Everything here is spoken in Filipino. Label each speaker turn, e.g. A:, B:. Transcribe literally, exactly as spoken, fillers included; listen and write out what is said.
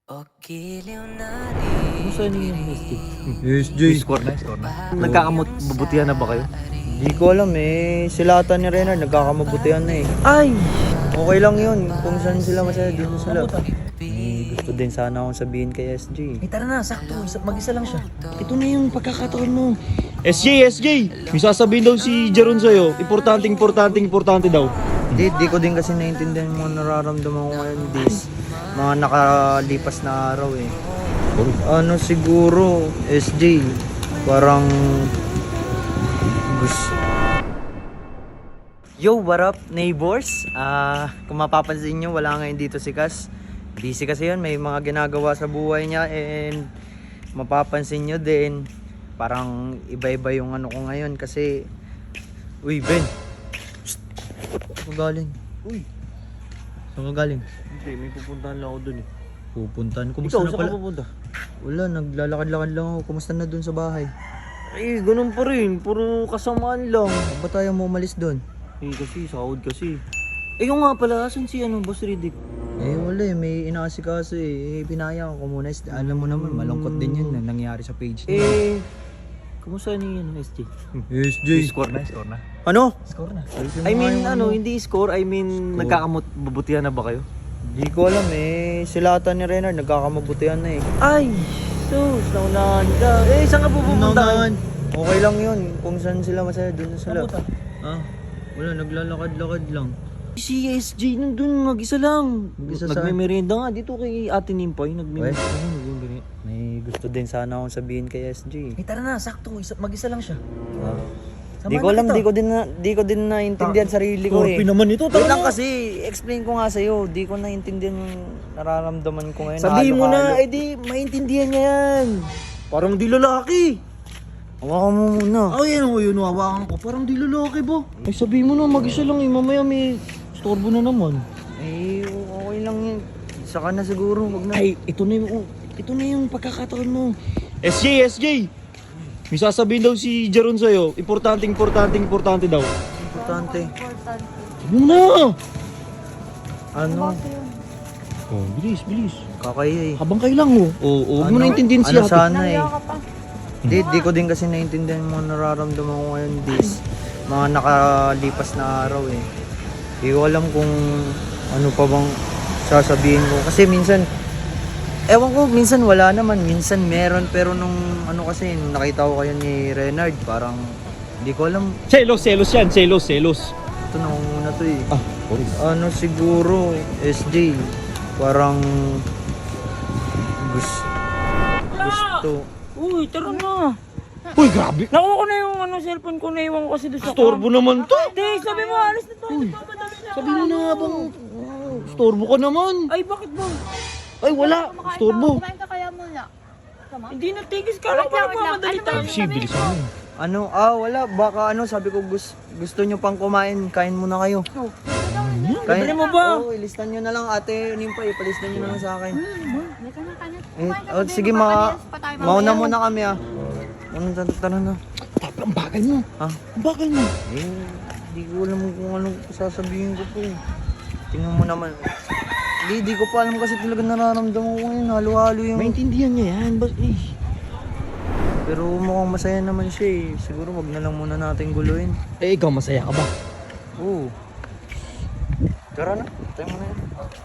A: Kumusta na yung S J?
B: S J.
A: Score na, score na. Nagkakamabutihan na ba kayo?
B: Di ko alam eh. Sila ata ni Renard nagkakamabutihan na eh.
A: Ay!
B: Okay lang yun. Kung saan sila masaya, dito sila. Eh, gusto din sana akong sabihin kay S J.
A: Eh tara na, sakto. Isa, mag-isa lang siya. Ito na yung pagkakataon mo. S J, S J! May sasabihin daw si Jeron sa'yo. Importante, importante, importante daw.
B: Di, di ko din kasi naiintindihan yung mga nararamdaman ko ngayon this mga nakalipas na araw eh. Ano siguro, S J, parang gusto. Yo, what up neighbors? Ah, kung mapapansin nyo, wala ngayon dito si Kas. Busy kasi yun, may mga ginagawa sa buhay niya and mapapansin nyo din, parang iba-iba yung ano ko ngayon kasi. Uy, Ben! Shhh! Saan ka galing? Uy! Saan ka galing?
A: Hindi, may pupuntahan lang ako dun eh.
B: Pupuntahan? Kumusta
A: Ikaw,
B: na
A: saan
B: pala?
A: ka pupunta?
B: Wala, naglalakad-lakad lang ako. Kumusta na dun sa bahay?
A: Eh, ganun pa rin. Puro kasamaan lang.
B: Ba't tayo mo umalis dun?
A: Eh, kasi, sahod kasi. Eh, yung nga pala, asan si ano, Boss Riddick?
B: Eh wala eh, may inaasikaso eh. Eh pinaya ko muna. Alam mo naman, malungkot din yun na nangyari sa page niya.
A: Eh, kumusta ni ano, S J?
B: S J!
A: Score na, score na.
B: Ano?
A: Score na.
B: Ayusin mo
A: I
B: nga
A: mean,
B: yung
A: ano, hindi score. I mean,
B: Score.
A: nagkakamabutihan na ba kayo?
B: Di ko alam eh. Sila ata ni Renard nagkakamabutihan na eh.
A: Ay, sus, naunahan ka. Eh, saan ka pupunta?
B: Naunahan. Okay lang yun. Kung saan sila masaya, dun na sila.
A: Saan punta?
B: Ah, wala, naglalakad-lakad lang.
A: Si S J nandun, mag-isa lang.
B: Mag-isa saan?
A: Nagme-merienda nga dito kay Ate Nimpay. Nagme-merienda.
B: Weh?
A: Oo, nagme-merienda.
B: May gusto din sana akong sabihin kay S J.
A: Eh, tara na, sakto. Isa, mag-isa lang siya.
B: Ah.
A: Samahan
B: Di ko
A: na
B: alam,
A: kita.
B: di ko din na, di ko din naintindihan sarili ko eh.
A: Torpe naman ito,
B: Wait
A: tara
B: lang
A: na.
B: kasi, explain ko nga sa'yo, di ko naintindihan yung nararamdaman ko ngayon.
A: Sabihin mo na,
B: Halo-halo.
A: eh di, maintindihan niya yan. Parang di lalaki.
B: Hawakan mo muna.
A: Ay, ano yun, hawakan ko. Parang di lalaki ba? Ay, sabihin mo na, mag-isa lang eh. Mamaya may storbo na naman.
B: Eh, okay lang yun. Saka na siguro, wag na.
A: Ay, ito na yung, ito na yung pagkakataon mo. S J, S J! May sasabihin daw si Jeron sa'yo. Importante, importante, importante daw.
B: Importante.
A: Sabi mo na!
B: Ano?
A: Oh, bilis, bilis.
B: Kakaya eh.
A: Habang kailang oh. Oo, oh, huwag mo
B: Ano?
A: na intindihin siya.
B: Ano sana eh. Di, di ko din kasi naintindihan yung mga nararamdaman ko ngayon this mga nakalipas na araw eh. Di ko alam kung ano pa bang sasabihin ko. Kasi minsan, ewan ko, minsan wala naman, minsan meron. Pero nung ano kasi, nung nakita ko kayo ni Renard, parang di ko alam.
A: Selos, selos yan. Selos, selos.
B: Ito nangunguna to eh.
A: Ah, sorry.
B: Ano siguro, S J, parang gusto. Gusto.
C: Uy, tara na.
A: Uy, grabe.
C: Nakuha ko na yung ano, cellphone ko, naiwan ko kasi doon sa
A: Storbo naman to.
C: Hindi, sabi mo, alis na to. Nagmamadali na.
A: Sabi mo na habang oh, storbo ka naman.
C: Ay, bakit ba?
A: Ay, wala. Storbo.
D: Kumain ka kaya muna. Sama?
C: Hindi na tigis ka lang,
D: Wait lang,
C: parang
D: wait lang.
C: mamadali
D: Ano ba
C: tayo.
D: yung-
A: Si, bilisan mo.
B: Ano? Ah, wala. Baka ano, sabi ko gusto, gusto nyo pang kumain. Kain muna kayo.
C: Libre mo ba?
B: Oo, ilistan nyo na lang ate Nimpay. Palistan nyo na lang sa akin.
D: May kanya-kanya.
B: Eh,
D: Kumain ka
B: oh,
D: din,
B: sige, mga,
D: magpapalinis pa tayo
B: mauna
D: mamaya.
B: muna kami ah. Ano, tara, tara na.
A: Tapi, ang bakal mo.
B: Ah,
A: Ang bakal mo.
B: eh, di ko alam kung anong sasabihin ko po. Tingnan mo naman. Di, di ko pa alam kasi talaga nararamdaman ko ngayon. Halo-halo yung...
A: Maintindihan niya yan. Bas, eh.
B: Pero mukhang masaya naman siya eh. Siguro wag na lang muna natin guluhin.
A: Eh, ikaw masaya ka ba?
B: Oo. Tara na, tayo mo na yan.